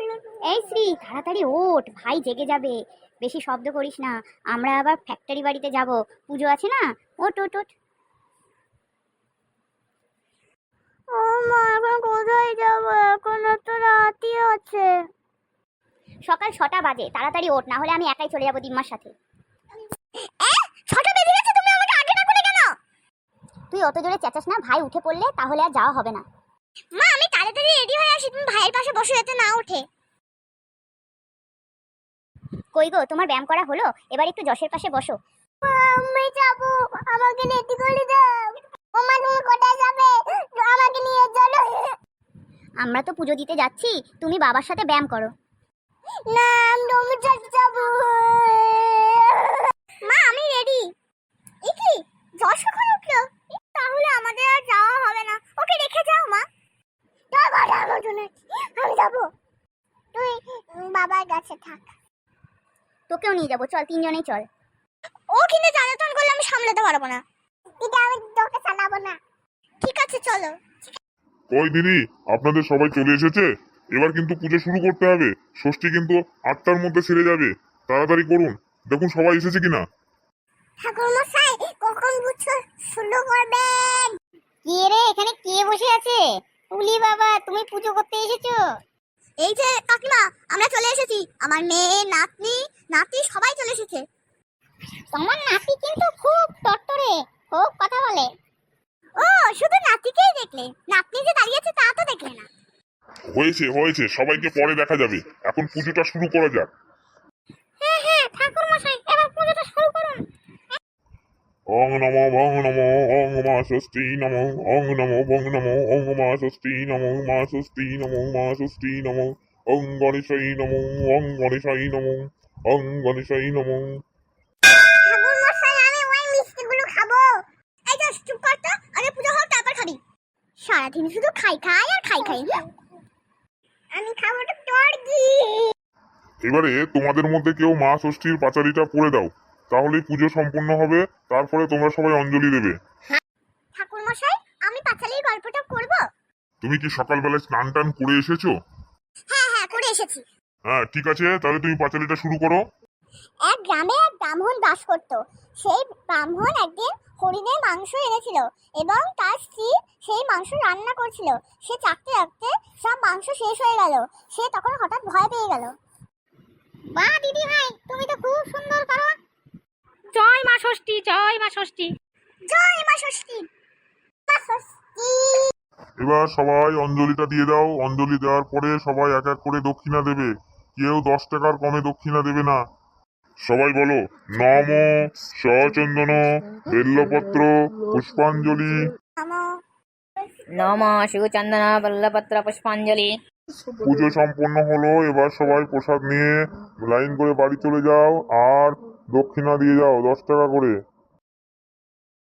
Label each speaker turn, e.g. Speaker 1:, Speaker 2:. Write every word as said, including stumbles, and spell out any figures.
Speaker 1: এই শ্রী, তাড়াতাড়ি ওঠ, ভাই জেগে যাবে। বেশি শব্দ করিস না, আমরা আবার ফ্যাক্টরি বাড়িতে যাব, পুজো আছে না। ওঠ ওঠ ওঠ। ও মা, এখন কোথায় যাবো? এখন তো রাতই আছে। সকাল ছটা বাজে, তাড়াতাড়ি ওঠ, না হলে আমি একাই চলে যাবো দিম্মার সাথে। ছটা বেজে গেছে, তুমি আমাকে আগে ডাকলে কেন? তুই অত জোরে চেঁচাস না, ভাই উঠে পড়লে তাহলে আর যাওয়া হবে না। মা, আমি তাড়াতাড়ি রেডি হয়ে আসি, তুমি ভাইয়ের পাশে বসে যাতে না ওঠে। কই গো, তোমার ব্যায়াম করা হলো? এবার একটু যশের পাশে বসো। আমি যাব, আমাকে রেডি করে দাও। ও মা, তুমি কোথায় যাবে? আমাকে নিয়ে চলো। আমরা তো পুজো দিতে যাচ্ছি, তুমি বাবার সাথে ব্যায়াম করো। না, আমি তোমার সাথে যাব। মা, আমি রেডি। এ কি, যশ কখন উঠলো? তাহলে আমাদের আর যাওয়া হবে না, ওকে রেখে যাও মা। তোর কথা আমার জন্য আমি যাবো, তুই বাবার কাছে থাক। তোকেও নিয়ে যাবো, চল, তিনজনেই চল। ও কিন্তু জ্বালাতন করলে আমি সামলাতে পারবো না। দিদা, আমি তোকে চালাবো না। ঠিক আছে, চলো।
Speaker 2: কই দিদি, আপনাদের সবাই চলে এসেছে? এবার কিন্তু পুজো শুরু করতে হবে। ষষ্ঠী কিন্তু আটটার মধ্যে সেরে যাবে, তাড়াতাড়ি করুন। দেখুন সবাই এসেছে কিনা।
Speaker 1: ঠাকুর মশাই, কখন পুজো শুরু করবেন? কে রে, এখানে কে বসে আছে? উলি বাবা, তুমি পুজো করতে এসেছো? এই যে কাকিমা, আমরা চলে এসেছি। আমার মেয়ে, নাতনি, নাতি সবাই চলে এসেছে। তোমার নাতি কিন্তু খুব টট্টরে, খুব কথা বলে। ও, শুধু নাতিকেই দেখলে, নাতনি যে দাঁড়িয়ে আছে তা তো দেখলে না।
Speaker 2: হয়েছে হয়েছে, সবাইকে পরে দেখা যাবে, এখন পুজোটা শুরু করা যাক।
Speaker 1: হ্যাঁ হ্যাঁ ঠাকুর মশাই, এবার পুজোটা শুরু করুন।
Speaker 2: ওং নমো ভং নমো ওং মা ষষ্ঠী নমো ওং নমো ভং নমো ওং মা ষষ্ঠী নমো মা ষষ্ঠী নমো মা ষষ্ঠী নমো ওং গণেশাই নমো ওং গণেশাই নমো ওং গণেশাই নমো।
Speaker 1: ঠাকুর মশাই, আমি ওই মিষ্টিগুলো খাবো। এই যে চুপ কর তো, আগে পুজো হোক তারপর খাবি। সারাদিন শুধু খাই খাই আর খাই খাই। আমি খাবো তো তোর কি।
Speaker 2: এবারে তোমাদের মধ্যে কেউ মা ষষ্ঠীর পাঁচালীটা পড়ে দাও, তাহলেই পুজো সম্পূর্ণ হবে। তারপরে তোমরা সবাই অঞ্জলি দেবে।
Speaker 1: ঠাকুর মশাই, আমি পাঁচালীর গল্পটা করব।
Speaker 2: তুমি কি সকালবেলায় স্নান টান করে এসেছো?
Speaker 1: হ্যাঁ হ্যাঁ, করে এসেছি।
Speaker 2: হ্যাঁ ঠিক আছে, তাহলে তুমি পাঁচালীটা শুরু করো।
Speaker 1: এক গ্রামে এক ব্রাহ্মণ বাস করত। সেই ব্রাহ্মণ একদিন হরিণের মাংস এনেছিল এবং তার স্ত্রী সেই মাংস রান্না করছিল। সে চাকতে চাকতে সব মাংস শেষ হয়ে গেল। সে তখন হঠাৎ ভয় পেয়ে গেল। বাহ দিদি ভাই, তুমি তো খুব সুন্দর করো।
Speaker 3: জয় মা ষষ্ঠী, জয় মা ষষ্ঠী।
Speaker 1: জয় মা ষষ্ঠী, মা ষষ্ঠী।
Speaker 2: এবার সবাই অঞ্জলিটা দিয়ে দাও। অঞ্জলি দেওয়ার পরে সবাই এক এক করে দক্ষিণা দেবে। কেউ দশ টাকার কমে দক্ষিণা দেবে না। সবাই বলো, নম সচন্দন বেল্লপত্র পুষ্পাঞ্জলি।
Speaker 3: নম শিবচন্দন বল্লপত্র পুষ্পাঞ্জলি।
Speaker 2: পুজো সম্পন্ন হলো, এবার সবাই প্রসাদ নিয়ে লাইন করে বাড়ি চলে যাও আর দক্ষিণা দিয়ে যাও দশ টাকা করে।